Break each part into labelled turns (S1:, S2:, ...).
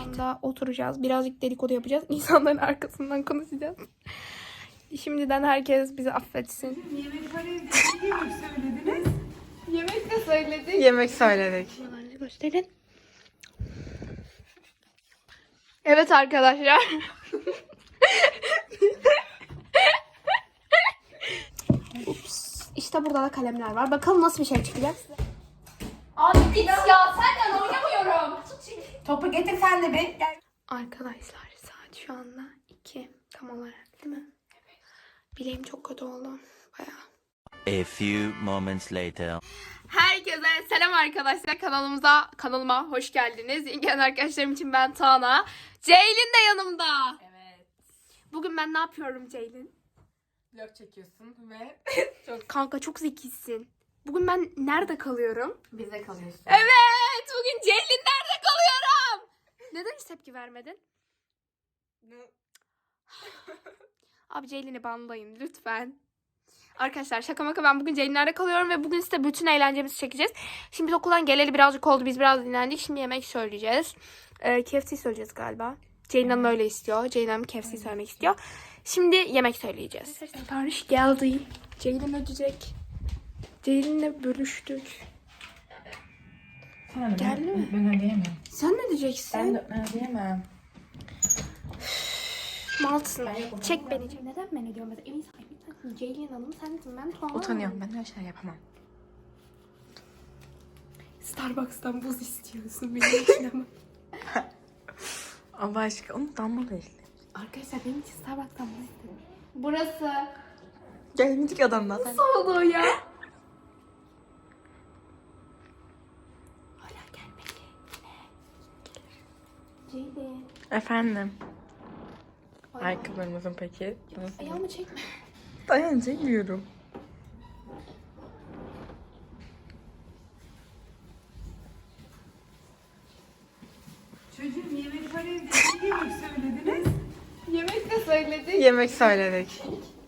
S1: anda oturacağız. Birazcık dedikodu yapacağız. İnsanların arkasından konuşacağız. Şimdiden herkes bizi affetsin.
S2: Yemek söylediniz.
S1: Yemek de söyledik.
S3: Yemek söyledik.
S1: Gösterin. Evet arkadaşlar. Ups. İşte burada da kalemler var. Bakalım nasıl bir şey çıkacak size. Abi git ya, senden oynamıyorum.
S2: Topu getir sen de bir. Gel.
S1: Arkadaşlar saat şu anda 2 tam olarak, değil mi? Evet. Bileğim çok kötü oldu. Bayağı.
S4: A few moments later.
S1: Herkese selam arkadaşlar. Kanalıma hoş geldiniz. Yeni gelen arkadaşlarım için ben Tuana. Ceylin de yanımda.
S2: Evet.
S1: Bugün ben ne yapıyorum Ceylin?
S2: Vlog çekiyorsun ve
S1: Kanka çok zekisin. Bugün ben nerede kalıyorum?
S2: bize kalıyorsun.
S1: Evet, bugün Ceylin nerede kalıyorum? Neden hiç tepki vermedin? Abi Ceylin'i banlayın lütfen. Arkadaşlar şaka maka, ben bugün Ceylinler'de kalıyorum ve bugün size bütün eğlencemizi çekeceğiz. Şimdi biz okuldan geleli birazcık oldu. Biz biraz dinlendik. Şimdi yemek söyleyeceğiz. KFC söyleyeceğiz galiba. Ceylin Hanım öyle istiyor. Ceylin Hanım KFC söylemek istiyor. Şimdi yemek söyleyeceğiz. Sipariş geldi. Ceylin ödeyecek. Ceylin'le bölüştük. Geldi mi?
S2: Ben ödeyemem.
S1: Sen ne diyeceksin?
S2: Ben ödeyemem.
S1: Malsın. Çek beni. Neden beni diyorum? Mesela evin sahibi sensin. Ceylin Hanım sensin. Ben Tuana.
S3: Utanıyorum, ben her şey yapamam.
S1: Starbucks'tan buz istiyorsun benim için ama.
S3: Allah aşkına onu damla değil.
S1: Arkadaşlar benim için Starbucks'tan buz istedim. Burası.
S3: Gelmedik adamdan.
S1: Nasıl oluyor ya? Hala gelmedi. Ceylin.
S3: Efendim. Ayakkabılarımızın peki.
S1: Ayağımı çekme.
S3: Dayanacağım.
S2: Çocuğum yemek söylediniz.
S1: Yemek de söyledik.
S3: Yemek söyledik.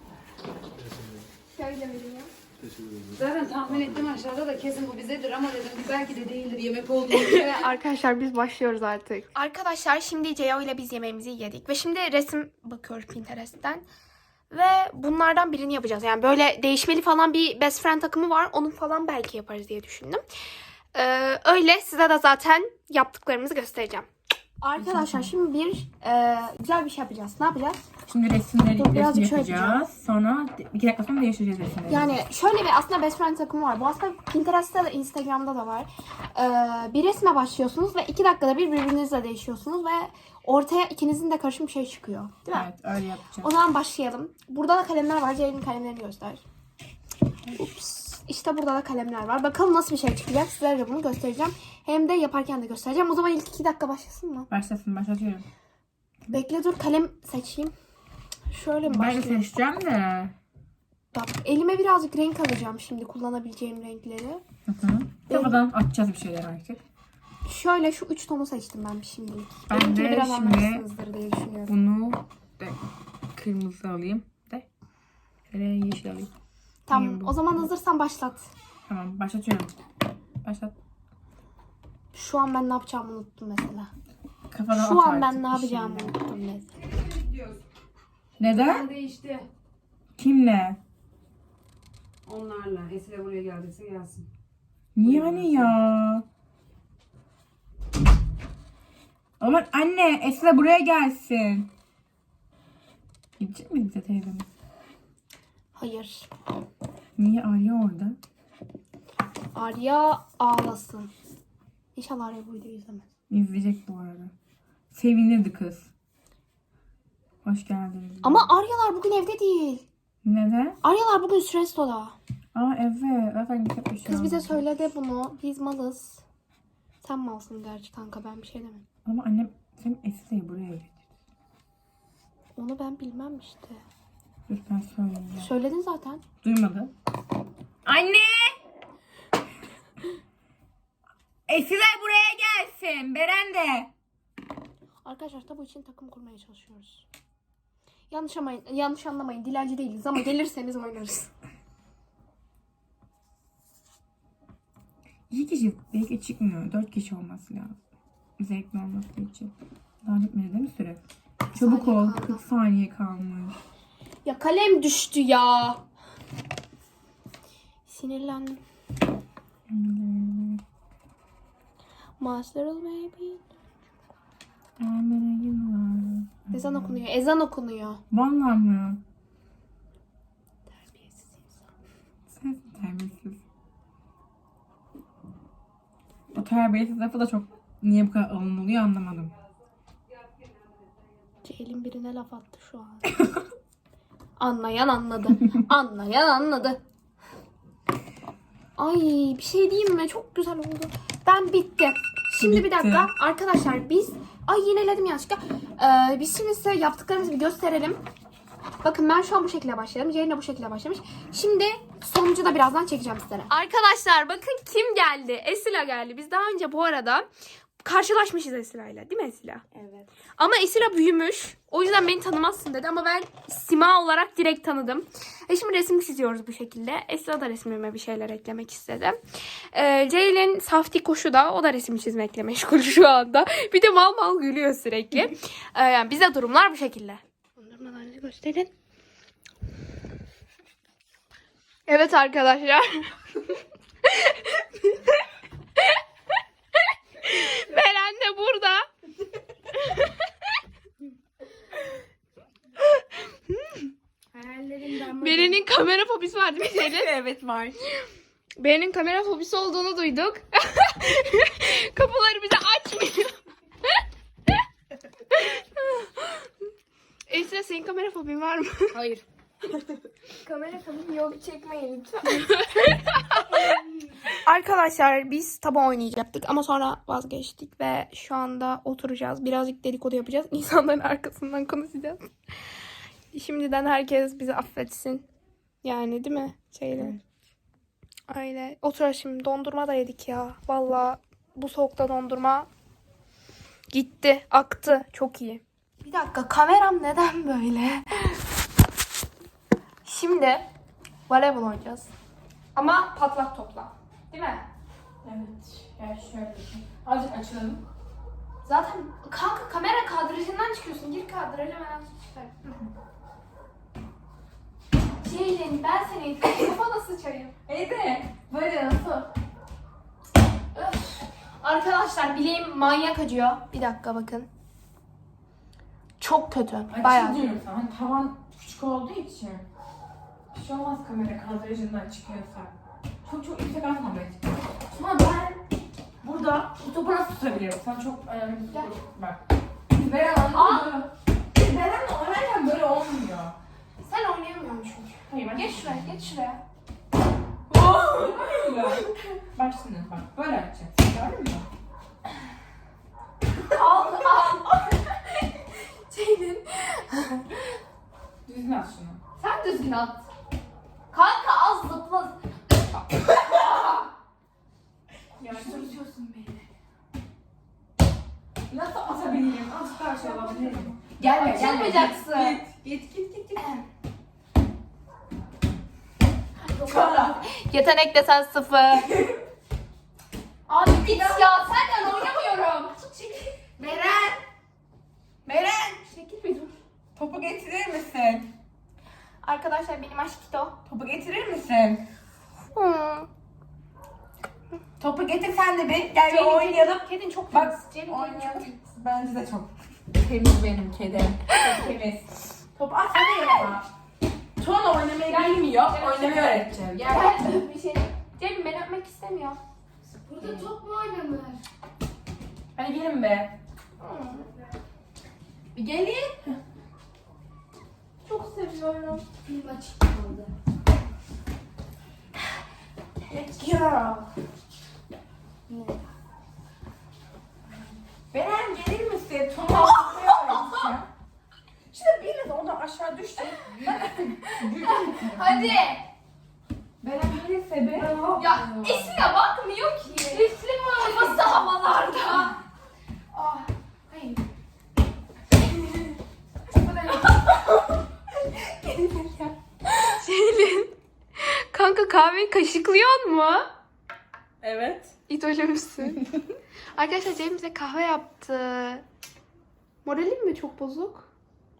S1: Şöyle vereyim.
S2: Zaten tahmin ettim aşağıda da kesin bu bizedir ama dedim belki de değildir yemek olduğu.
S1: Arkadaşlar biz başlıyoruz artık. Arkadaşlar şimdi Ceo ile biz yemeğimizi yedik. Ve şimdi resim bakıyoruz Pinterest'ten. Ve bunlardan birini yapacağız. Yani böyle değişmeli falan bir best friend takımı var. Onu falan belki yaparız diye düşündüm. Öyle size de zaten yaptıklarımızı göstereceğim. Arkadaşlar şimdi güzel bir şey yapacağız. Ne yapacağız?
S2: Şimdi resimleri
S1: Dur, birazcık şöyle
S2: yapacağız. Sonra 2 dakika sonra değiştireceğiz resimleri.
S1: Yani şöyle bir aslında best friend takımı var. Bu aslında Pinterest'te de Instagram'da da var. Bir resme başlıyorsunuz ve 2 dakikada bir birbirinizle değişiyorsunuz ve ortaya ikinizin de karışım bir şey çıkıyor. Değil mi?
S2: Evet öyle yapacağız.
S1: O zaman başlayalım. Burada da kalemler var. Ceylin'in kalemlerini göster. Ups. İşte burada da kalemler var. Bakalım nasıl bir şey çıkacak. Sizlere de bunu göstereceğim. Hem de yaparken de göstereceğim. O zaman ilk 2 dakika başlasın mı?
S2: Başlatıyorum.
S1: Bekle dur, kalem seçeyim. Şöyle mi
S2: Ben de
S1: başlayayım?
S2: seçeceğim de.
S1: Bak, elime birazcık renk alacağım şimdi, kullanabileceğim renkleri.
S2: Kafadan atacağız bir şeyler artık.
S1: Şöyle şu 3 tonu seçtim ben şimdilik.
S2: Ben
S1: Benimkini
S2: de
S1: biraz
S2: şimdi
S1: anlamışsınızdır diye düşünüyorum.
S2: Bunu de kırmızı alayım. Şöyle yeşil alayım.
S1: Tamam, o zaman hazırsan başlat.
S2: Tamam başlatıyorum. Başlat.
S1: Şu an ben ne yapacağımı unuttum mesela.
S2: Kafadan
S1: Şu
S2: at
S1: an ben
S2: artık
S1: ne
S2: bir
S1: yapacağımı
S2: şeyler.
S1: unuttum mesela.
S2: Neden?
S5: Değişti.
S2: Kimle?
S5: Onlarla. Esile buraya geldiyse gelsin.
S2: Niye hani ya? Aman anne Esra buraya gelsin. Gidecek mi bize teyzemiz?
S1: Hayır.
S2: Niye Arya orada?
S1: Arya ağlasın. İnşallah Arya bu videoyu izlemez.
S2: İzleyecek bu arada. Sevinirdi kız. Hoş geldiniz.
S1: Ama Aryalar bugün evde değil.
S2: Neden?
S1: Aryalar bugün Sresto'da.
S2: Aa evet. Zaten gidecek bir şey
S1: Kız bize
S2: olmadı.
S1: söyledi bunu. Biz malız. Sen malsın gerçi kanka, ben bir şey demem.
S2: Ama annem senin Esra'yı buraya getirdi.
S1: Onu ben bilmem işte.
S2: Dur ben söyleyeyim.
S1: Söyledin zaten.
S2: Duymadı. Anne! Esra buraya gelsin. Beren de.
S1: Arkadaşlar tabu için takım kurmaya çalışıyoruz. Yanlış anlamayın. Dilenci değiliz ama gelirseniz oynarız.
S2: İki kişi belki çıkmıyor. 4 kişi olması lazım.
S3: zevkli olması için. Daha bitmedi değil mi süre? Çabuk ol. 40 saniye kalmış.
S1: Ya kalem düştü ya. Sinirlendim. Master baby. Ezan okunuyor. Ezan okunuyor.
S3: Vallahi mı?
S1: Terbiyesiz insan.
S3: Sen terbiyesiz. O terbiyesiz lafı da çok niye bu kadar alınılıyor anlamadım.
S1: Ceylin birine laf attı şu an. Anlayan anladı. Anlayan anladı. Ay bir şey diyeyim mi? Çok güzel oldu. Ben bitti. Şimdi bir
S3: Bitti.
S1: dakika. Arkadaşlar biz... Ay yineledim yanlışlıkla. Biz şimdi size yaptıklarımızı bir gösterelim. Bakın ben şu an bu şekilde başladım. Ceylin de bu şekilde başlamış. Şimdi sonucu da birazdan çekeceğim sizlere. Arkadaşlar bakın kim geldi? Esila geldi. Biz daha önce bu arada karşılaşmışız Esila'yla. Değil mi Esila?
S2: Evet.
S1: Ama Esila büyümüş. O yüzden beni tanımazsın dedi ama ben sima olarak direkt tanıdım. Şimdi resim çiziyoruz bu şekilde. Esila da resmime bir şeyler eklemek istedi. Ceylin safti koşu da o da resim çizmekle meşgul şu anda. Bir de mal mal gülüyor sürekli. Yani bize durumlar bu şekilde. Dondurmalarınızı gösterin. Evet arkadaşlar. Beren de burada. Beren'in kamera fobisi var değil mi Ceylin?
S3: Evet var.
S1: Beren'in kamera fobisi olduğunu duyduk. Kapıları bize açmıyor. Esra senin kamera fobin var mı?
S2: Hayır.
S1: Kamera fobim yok, çekmeyin lütfen. Arkadaşlar biz tabu oynayacaktık ama sonra vazgeçtik ve şu anda oturacağız. Birazcık dedikodu yapacağız. İnsanların arkasından konuşacağız. Şimdiden herkes bizi affetsin. Yani değil mi? Şeyle. Öyle. Oturalım şimdi. Dondurma da yedik ya. Vallahi bu soğukta dondurma gitti. Aktı. Çok iyi. Bir dakika. Kameram neden böyle? Şimdi voleybol oynayacağız. Ama patlak topla. Değil mi?
S3: Evet. Yani şöyle. Azıcık açalım.
S1: Zaten kanka kamera kadrajından çıkıyorsun. Gir kadraja ben çıkar. Ceylin ben senin kafana sıçayım.
S3: Evet. Böyle nasıl?
S1: Öf. Arkadaşlar bileğim manyak acıyor. Bir dakika bakın. Çok kötü. Bayağı.
S3: Diyorum sana. Hani tavan küçük olduğu için. Bir şey olmaz kamera kadrajından çıkıyorsa. Çok yüksek atma bence. Ama ben burada bu topu nasıl tutabilirim? Sen çok önemli bir soru. Bak. Beren anladın mı? Beren'le oynarken böyle olmuyor.
S1: Sen oynayamıyorsun çünkü.
S3: Hayır bak.
S1: Geç şuraya, geç şuraya.
S3: Bak şimdi bak. Böyle yapacaksın. Gördün mü?
S1: Al. Ceylin.
S3: Düzgün at şunu.
S1: Sen düzgün at. Kanka az zıpla. Sürtüyorsun beni.
S3: Nasıl atabilirim? Azıcık daha şey alabilirim.
S1: Açılmayacaksın.
S3: Git.
S1: Yetenek desen 0. Abi git ya senden oynamıyorum. Beren. Çekil bir dur.
S3: Topu getirir misin?
S1: Arkadaşlar benim aşkito.
S3: Topu getirir misin? Topu getir sen de bir. Gel bir oynayalım.
S1: Kedin çok
S3: Bak
S1: temiz. Ceylin
S3: oynayalım.
S1: kedin
S3: Bence de çok temiz benim kedim. Çok temiz. Topu at hadi yapma. Tuğla oynamayı bilmiyor. Oynamayı öğreteceğim. Gel.
S1: Gel öp bir şey. Ceylin beni öpmek istemiyor.
S2: Burada top mu oynanır?
S3: Hadi gelin be. Bir gelin.
S1: Çok seviyorum.
S2: Film açık kaldı.
S3: Ya. Beren gelir misin? Tuğla oynamayı öğreteceğim. Şimdi biraz oradan aşağı düştü.
S1: Hadi.
S3: Beren gelirse be.
S1: Ya Esile bakmıyor ki. Esile kafası havalarda. Ah, hayır. Ceylin. Kanka kahveyi kaşıklıyor mu?
S3: Evet.
S1: İdolümsün. Arkadaşlar Ceylin bize kahve yaptı. Moralin mi çok bozuk?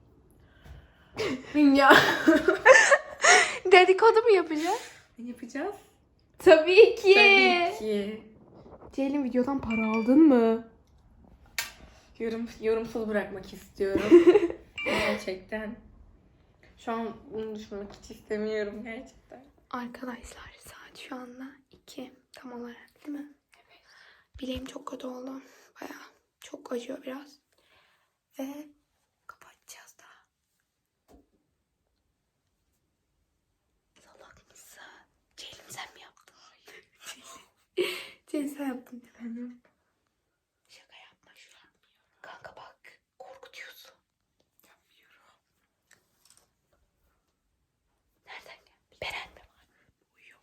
S3: Ya.
S1: Dedikodu mu yapacağız?
S3: Ne yapacağız?
S1: Tabii ki.
S3: Tabii ki.
S1: Ceylin videodan para aldın mı?
S3: Yorumsuz bırakmak istiyorum. Gerçekten. Şu an bunu düşünmek hiç istemiyorum gerçekten.
S1: Arkadaşlar saat şu anda 2 tam olarak değil mi? Evet. Bileğim çok kötü oldu. Bayağı çok acıyor biraz. Ve kapatacağız daha. Salak mısın? Ceylin sen mi yaptın? Ceylin sen yaptın değil mi? Şaka yapma şu an. Kanka bak korkutuyorsun. Yapmıyorum. Nereden geldi? Beren mi var? Uyuyor.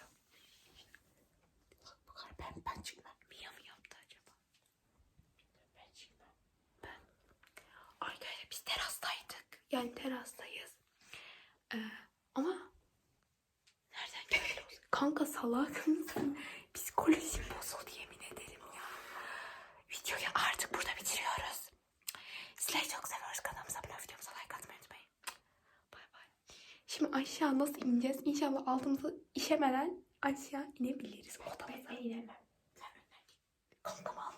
S1: Bu kadar ben çıkmam. Mia mı yaptı acaba? Ben çıkmam. Arkadaşlar biz terastaydık. Yani terastayız. Ama nereden geldi? Kanka salak mısın? Psikolojim bozuldu yemin ederim ya. Videoyu artık burada bitiriyoruz. Sizleri çok seviyoruz. Kanalımıza abone olup videomuza like atmayı unutmayın. Bay bay. Şimdi aşağı nasıl ineceğiz? İnşallah altımızı işemeden aşağı inebiliriz odamıza. Ben inemem. Sen önden git. Kankam